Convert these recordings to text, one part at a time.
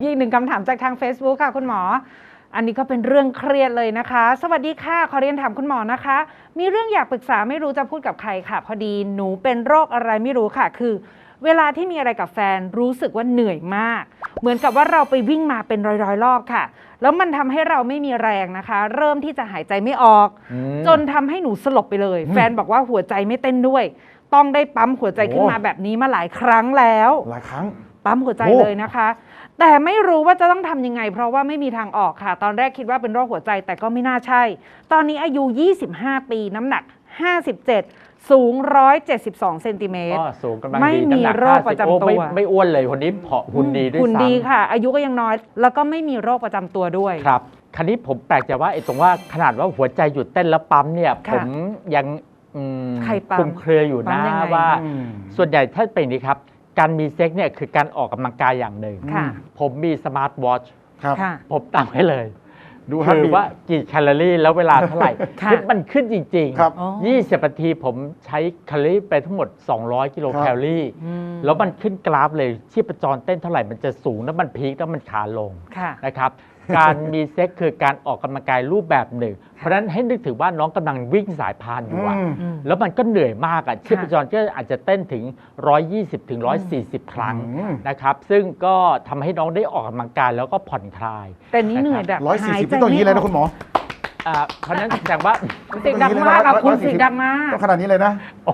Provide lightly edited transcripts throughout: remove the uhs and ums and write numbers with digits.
อีกหนึ่งคำถามจากทาง Facebook ค่ะคุณหมออันนี้ก็เป็นเรื่องเครียดเลยนะคะสวัสดีค่ะขอเรียนถามคุณหมอนะคะมีเรื่องอยากปรึกษาไม่รู้จะพูดกับใครค่ะพอดีหนูเป็นโรคอะไรไม่รู้ค่ะคือเวลาที่มีอะไรกับแฟนรู้สึกว่าเหนื่อยมากเหมือนกับว่าเราไปวิ่งมาเป็นร้อยๆรอบค่ะแล้วมันทำให้เราไม่มีแรงนะคะเริ่มที่จะหายใจไม่ออกจนทำให้หนูสลบไปเลยแฟนบอกว่าหัวใจไม่เต้นด้วยต้องได้ปั๊มหัวใจขึ้นมาแบบนี้มาหลายครั้งแล้วหลายครั้งปั๊มหัวใจเลยนะคะแต่ไม่รู้ว่าจะต้องทำยังไงเพราะว่าไม่มีทางออกค่ะตอนแรกคิดว่าเป็นโรคหัวใจแต่ก็ไม่น่าใช่ตอนนี้อายุ25ปีน้ำหนัก57สูง172เซนติเมตรสูงกำลังดีไม่มีโรคประจำตัวไม่อ้วนเลยคนนี้ผอมหุ่นดีด้วยซ้ำหุ่นดีค่ะอายุก็ยังน้อยแล้วก็ไม่มีโรคประจำตัวด้วยครับคราวนี้ผมแปลกใจว่าไอ้ตรงว่าขนาดว่าหัวใจหยุดเต้นแล้วปั๊มเนี่ยผมยังคลุมเครืออยู่นะว่าส่วนใหญ่ถ้าเป็นนี้ครับการมีเซ็กเนี่ยคือการออกกำลังกายอย่างหนึ่งผมมีสมาร์ทวอทช์ผมตั้งไว้เลยคือว่ากี่แคลอรี่แล้วเวลาเท่าไหร่มันขึ้นจริงๆ20 นาทีผมใช้แคลอรี่ไปทั้งหมด200 กิโลแคลอรี่แล้วมันขึ้นกราฟเลยชีพจรเต้นเท่าไหร่มันจะสูงแล้วมันพีคแล้วมันขาลงนะครับการมีเซ็กคือการออกกำลังกายรูปแบบหนึ่งเพราะฉะนั้นให้นึกถึงว่าน้องกำลังวิ่งสายพานอยู่แล้วมันก็เหนื่อยมากชีพจรก็อาจจะเต้นถึง120 ถึง 140 ครั้งนะครับซึ่งก็ทำให้น้องได้ออกกำลังกายแล้วก็ผ่อนคลายแต่นี่เหนื่อยแบบ 140ที่ต้องอย่างนี้เลยนะคุณหมอเพราะฉะนั้นแสดงว่าเสียงดังมากครับคุณเสียงดังมากต้องขนาดนี้เลยนะ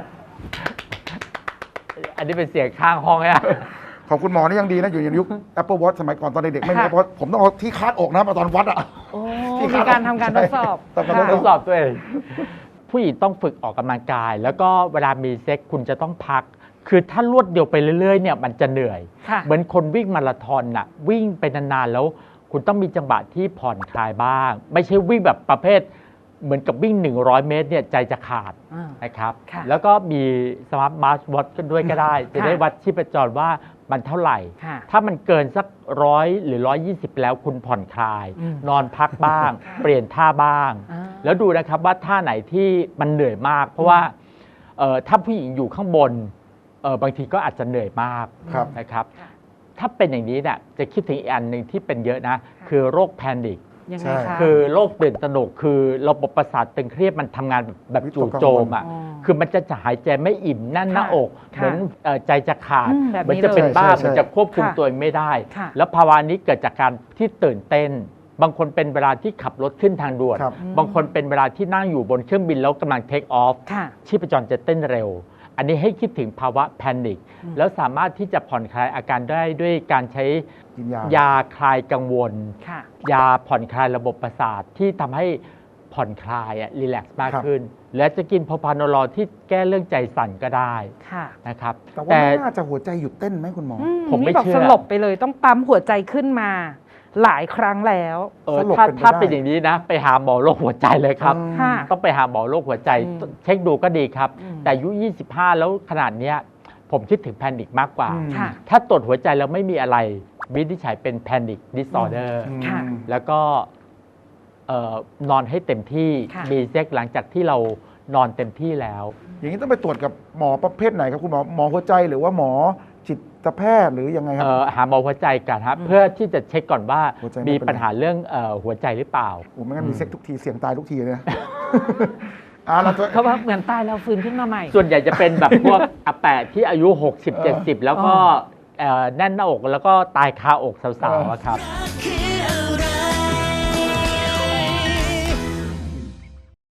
อันนี้เป็นเสียงข้างห้องเนี่ยขอบคุณหมอนี่ยังดีนะอยู่ในยุค Apple Watch สมัยก่อนตอนเด็กๆไม่มีเพราะผมต้องเอาที่คาดอกนะมาตอนวัดอ่ะที่การทำการทดสอบทดสอบตัวเองผู้หญิงต้องฝึกออกกำลังกายแล้วก็เวลามีเซ็กคุณจะต้องพักคือถ้ารวดเดียวไปเรื่อยๆเนี่ยมันจะเหนื่อยเหมือนคนวิ่งมาราธอนน่ะวิ่งไปนานๆแล้วคุณต้องมีจังหวะที่ผ่อนคลายบ้างไม่ใช่วิ่งแบบประเภทเหมือนกับวิ่ง100 เมตรเนี่ยใจจะขาดนะครับแล้วก็มีสมาร์ทวอทช์กันด้วยก็ได้จะได้วัดชีพจรว่ามันเท่าไหร่ถ้ามันเกินสัก100 หรือ 120แล้วคุณผ่อนคลายนอนพักบ้างเปลี่ยนท่าบ้างแล้วดูนะครับว่าท่าไหนที่มันเหนื่อยมากเพราะว่าถ้าผู้หญิงอยู่ข้างบนบางทีก็อาจจะเหนื่อยมากนะครับถ้าเป็นอย่างนี้เนี่ยจะคิดถึงอีกอันหนึ่งที่เป็นเยอะนะคือโรคแพนิคคือโรคตื่นตระหนกคือระบบประสาทตึงเครียดมันทำงานแบบจู่โจมอ่ะคือมันจะหายใจไม่อิ่มแน่นหน้าอกเหมือนใจจะขาดมันจะเป็นบ้ามันจะควบคุมตัวเองไม่ได้แล้วภาวะนี้เกิดจากการที่ตื่นเต้นบางคนเป็นเวลาที่ขับรถขึ้นทางด่วนบางคนเป็นเวลาที่นั่งอยู่บนเครื่องบินแล้วกำลังเทคออฟชีพจรจะเต้นเร็วอันนี้ให้คิดถึงภาวะแพนิคแล้วสามารถที่จะผ่อนคลายอาการได้ด้วยการใช้ยาคลายกังวลยาผ่อนคลายระบบประสาทที่ทำให้ผ่อนคลายรีแลกซ์มากขึ้นและจะกินโพพานอลที่แก้เรื่องใจสั่นก็ได้นะครับแต่น่าจะหัวใจหยุดเต้นไหมคุณหมอผมไม่เชื่อสลบไปเลยต้องปั๊มหัวใจขึ้นมาหลายครั้งแล้วถ้าเป็นอย่างนี้นะไปหาหมอโรคหัวใจเลยครับต้องไปหาหมอโรคหัวใจเช็คดูก็ดีครับแต่อายุ25แล้วขนาดนี้ผมคิดถึงแพนิคมากกว่าถ้าตรวจหัวใจแล้วไม่มีอะไรวินิจฉัยเป็นแพนิคดิสออเดอร์แล้วก็นอนให้เต็มที่มีเซ็กหลังจากที่เรานอนเต็มที่แล้วอย่างนี้ต้องไปตรวจกับหมอประเภทไหนครับคุณหมอหมอหัวใจหรือว่าหมอจิตแพทย์หรือยังไงครับหาหมอหัวใจกันครับเพื่อที่จะเช็คก่อนว่ามีปัญหาเรื่องหัวใจหรือเปล่าไม่งั้นมีเซ็กทุกทีเสี่ยงตายทุกทีเลยนะเขาว่าเหมือนตายแล้วฟื้นขึ้นมาใหม่ส่วนใหญ่จะเป็นแบบพวกอาแปะที่อายุ60-70แล้วก็แน่นหน้าอกแล้วก็ตายคาอกสาวๆครับ